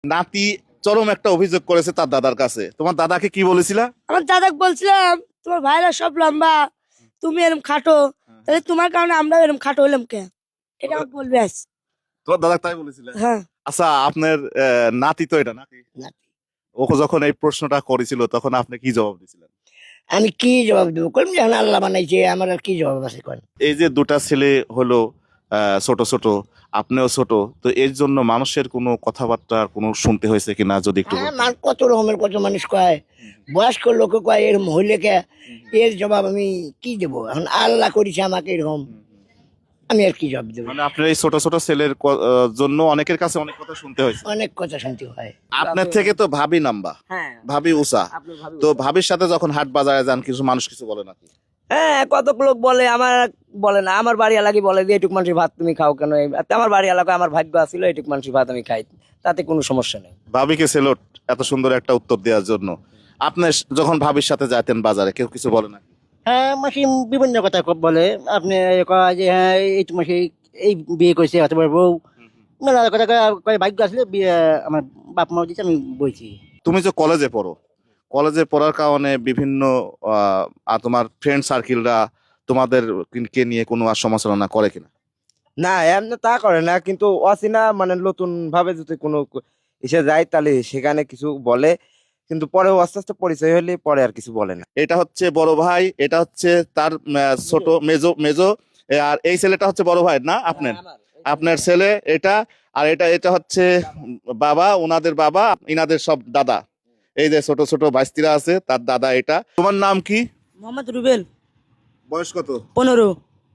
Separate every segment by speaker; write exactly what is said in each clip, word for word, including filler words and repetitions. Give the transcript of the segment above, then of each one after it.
Speaker 1: নাতি চরম একটা অভিযোগ করেছে তার দাদার কাছে। তোমার দাদাকে কি বলেছিলা?
Speaker 2: আমার দাদাকে বলছিলাম তোমার ভাইরা সব লম্বা, তুমি এরকম খাটো, তাহলে তোমার কারণে আমরা এরকম খাটো হলাম কে? এটা আমাকে বলবে আজ।
Speaker 1: তোমার দাদা তাই বলেছিলে?
Speaker 2: হ্যাঁ।
Speaker 1: আচ্ছা, আপনার আহ, নাতি তো এটা নাকি?
Speaker 3: নাতি।
Speaker 1: ও যখন এই প্রশ্নটা করেছিল তখন আপনি কি জবাব দিয়েছিলেন?
Speaker 3: আমি কি জবাব দেবো? কলম যখন আল্লাহ বানাইছে আমার আর কি জবাব আছে কোন?
Speaker 1: এই যে দুটা ছেলে হলো আহ, ছোট ছোট, আপনিও ছোট, তো এর জন্য মানুষের কোনো কথাবার্তা কোনো শুনতে হয়েছে কিনা যদি একটু
Speaker 3: হ্যাঁ,
Speaker 1: বলতেন।
Speaker 3: মান কত রকমের কত মানুষ কয়, বয়স্ক লোক কয় এর মহিলাকে, এর জবাব আমি কি দেবো? এখন আল্লাহ করেছে আমাকে এরকম, আমি আর কি জবাব দেবো?
Speaker 1: মানে আপনার এই ছোট ছোট ছেলের ক- আহ, জন্য অনেকের কাছে অনেক কথা শুনতে হয়েছে।
Speaker 3: অনেক কথা শুনতে হয়।
Speaker 1: আপনার থেকে তো ভাবি নাম্বা,
Speaker 4: হ্যাঁ
Speaker 1: ভাবি উষা,
Speaker 4: আপনার ভাবি
Speaker 1: তো ভাবির সাথে যখন হাট বাজারে যান কিছু মানুষ কিছু বলে নাকি?
Speaker 4: হ্যাঁ কতক লোক বলে, আমার বলে না, আমার বাড়ি এলাকায় বলে যে এটুক মানুষের ভাত তুমি খাও কেন? এই- আমার বাড়ি এলাকায় আমার ভাগ্য আছিল এটুক মানুষের ভাত আমি খাই, তাতে কোনো সমস্যা নেই।
Speaker 1: ভাবিকে সেলট এত সুন্দর একটা উত্তর দেওয়ার জন্য। আপনি যখন ভাবির সাথে যাইতেন বাজারে কেউ কিছু বলে নাকি?
Speaker 3: হ্যাঁ, মাসি বিভিন্ন কথা বলে। আপনি কয় যে হ্যাঁ এই তো মাসি এই বিয়ে করছে অথবা বউ, মেলা কথা কয়, কয় ভাগ্য আসলে বিয়ে আমার বাপ মা দিচ্ছে, আমি বইছি।
Speaker 1: তুমি যে কলেজে পড়ো, কলেজে পড়ার কারণে বিভিন্ন আহ, আর তোমার ফ্রেন্ড সার্কেলরা তোমাদের কে নিয়ে কোনো আর সমালোচনা করে কিনা?
Speaker 5: না এমনি তা করে না, কিন্তু অচেনা মানে নতুন ভাবে যদি কোনো এসে যায় তাহলে সেখানে কিছু বলে, কিন্তু পরে আস্তে আস্তে পরিচয় হলে পরে আর কিছু বলে না।
Speaker 1: এটা হচ্ছে বড় ভাই, এটা হচ্ছে তার আহ, ছোট মেজো মেজো, আর এই ছেলেটা হচ্ছে বড় ভাই না আপনার? আপনার ছেলে এটা, আর এটা এটা হচ্ছে বাবা, ওনাদের বাবা, ইনাদের সব দাদা। এই যে ছোট ছোট ভাইস্তিরা আছে তার দাদা এটা। তোমার নাম কি?
Speaker 2: মোহাম্মদ রুবেল।
Speaker 1: বয়স কত?
Speaker 2: পনেরো।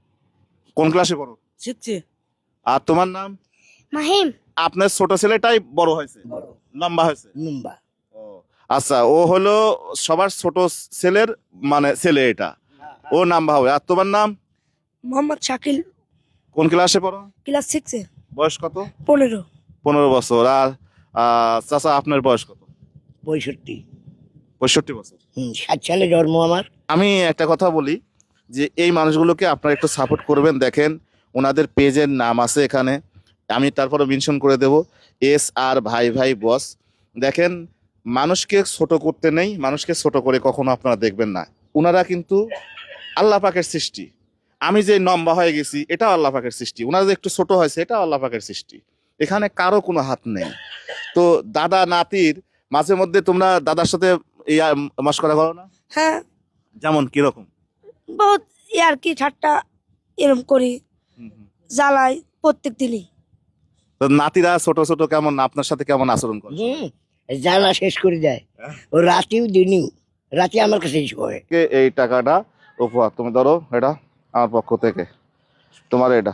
Speaker 1: কোন ক্লাসে পড়ো?
Speaker 2: শিখছি।
Speaker 1: আর তোমার নাম?
Speaker 2: মাহিম।
Speaker 1: আপনার ছোট ছেলেটাই বড় হয়েছে, লম্বা হয়েছে?
Speaker 3: নুম্বা।
Speaker 1: ও আচ্ছা, ও হলো সবার ছোট ছেলের মানে ছেলে, এটা ও লম্বা হবে। আর তোমার নাম?
Speaker 2: মোহাম্মদ শাকিল।
Speaker 1: কোন ক্লাসে পড়ো?
Speaker 2: ক্লাস সিক্সে।
Speaker 1: বয়স কত?
Speaker 2: পনেরো।
Speaker 1: পনেরো বছর। আর আহ, চাচা আপনার বয়স কত?
Speaker 3: পঁয়ষট্টি।
Speaker 1: পঁয়ষট্টি বছর।
Speaker 3: হম ষাট সালে জন্ম আমার।
Speaker 1: আমি একটা কথা বলি যে এই মানুষগুলোকে আপনারা একটু সাপোর্ট করবেন। দেখেন ওনাদের পেজের নাম আছে এখানে, আমি তারপরে মেনশন করে দেব, এস আর ভাই ভাই বস। দেখেন, মানুষকে ছোট করতে নেই, মানুষকে ছোট করে কখনো আপনারা দেখবেন না। ওনারা কিন্তু আল্লাহ পাকের সৃষ্টি। আমি যে লম্বা হয়ে গেছি এটাও আল্লাহ পাকের সৃষ্টি, ওনারা যে একটু ছোট হয়েছে এটাও আল্লাহ পাকের সৃষ্টি। এখানে কারো কোনো হাত নেই। তো দাদা নাতির মাঝে মধ্যে তোমরা দাদার সাথে ইয়া মস্করা করো না?
Speaker 2: হ্যাঁ,
Speaker 1: যেমন কিরকম?
Speaker 2: বহুত ইয়ার কি ঠাট্টা এরম করি, জ্বালাই প্রত্যেক দিনই।
Speaker 1: তো নাতিরা ছোট ছোট কেমন আপনার সাথে কেমন আচরণ করে?
Speaker 3: হম জ্বালা শেষ করে দেয়, ও রাতেও দিনেও। রাতে আমার কাছে শোয়।
Speaker 1: কে এই টাকাটা উপহার, তুমি ধরো, এটা আমার পক্ষ থেকে তোমার, এটা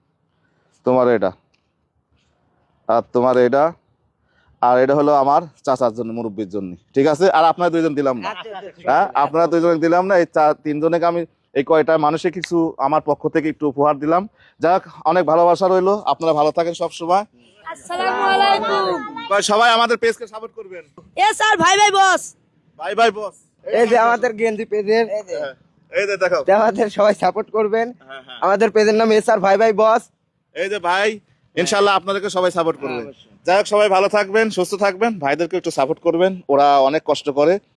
Speaker 1: তোমার, এটা আর তোমার, এটা আর এটা হলো আমার চাচার জন্য, মুরব্বীর জন্য, ঠিক আছে? আর আপনারা দুইজন দিলাম না, হ্যাঁ আপনারা দুইজন দিলাম না, এই চার তিনজনকে আমি এই কয়টা মানুষে কিছু আমার পক্ষ থেকে একটু উপহার দিলাম। যাক, অনেক ভালোবাসা রইলো, আপনারা ভালো থাকেন সব সময়।
Speaker 2: আসসালামু আলাইকুম।
Speaker 1: সবাই আমাদের পেজকে সাপোর্ট করবেন।
Speaker 2: এ স্যার ভাই ভাই বস।
Speaker 1: বাই বাই বস।
Speaker 5: এই যে আমাদের গেঞ্জি পেজের,
Speaker 1: এই যে দেখো,
Speaker 5: আমাদের সবাই সাপোর্ট করবেন।
Speaker 1: হ্যাঁ, হ্যাঁ।
Speaker 5: আমাদের পেজের নাম এস আর ভাই ভাই বস।
Speaker 1: এই যে ভাই, ইনশাল্লাহ আপনাদেরকে সবাই সাপোর্ট করবে। যাই হোক, সবাই ভালো থাকবেন, সুস্থ থাকবেন, ভাইদেরকে একটু সাপোর্ট করবেন, ওরা অনেক কষ্ট করে।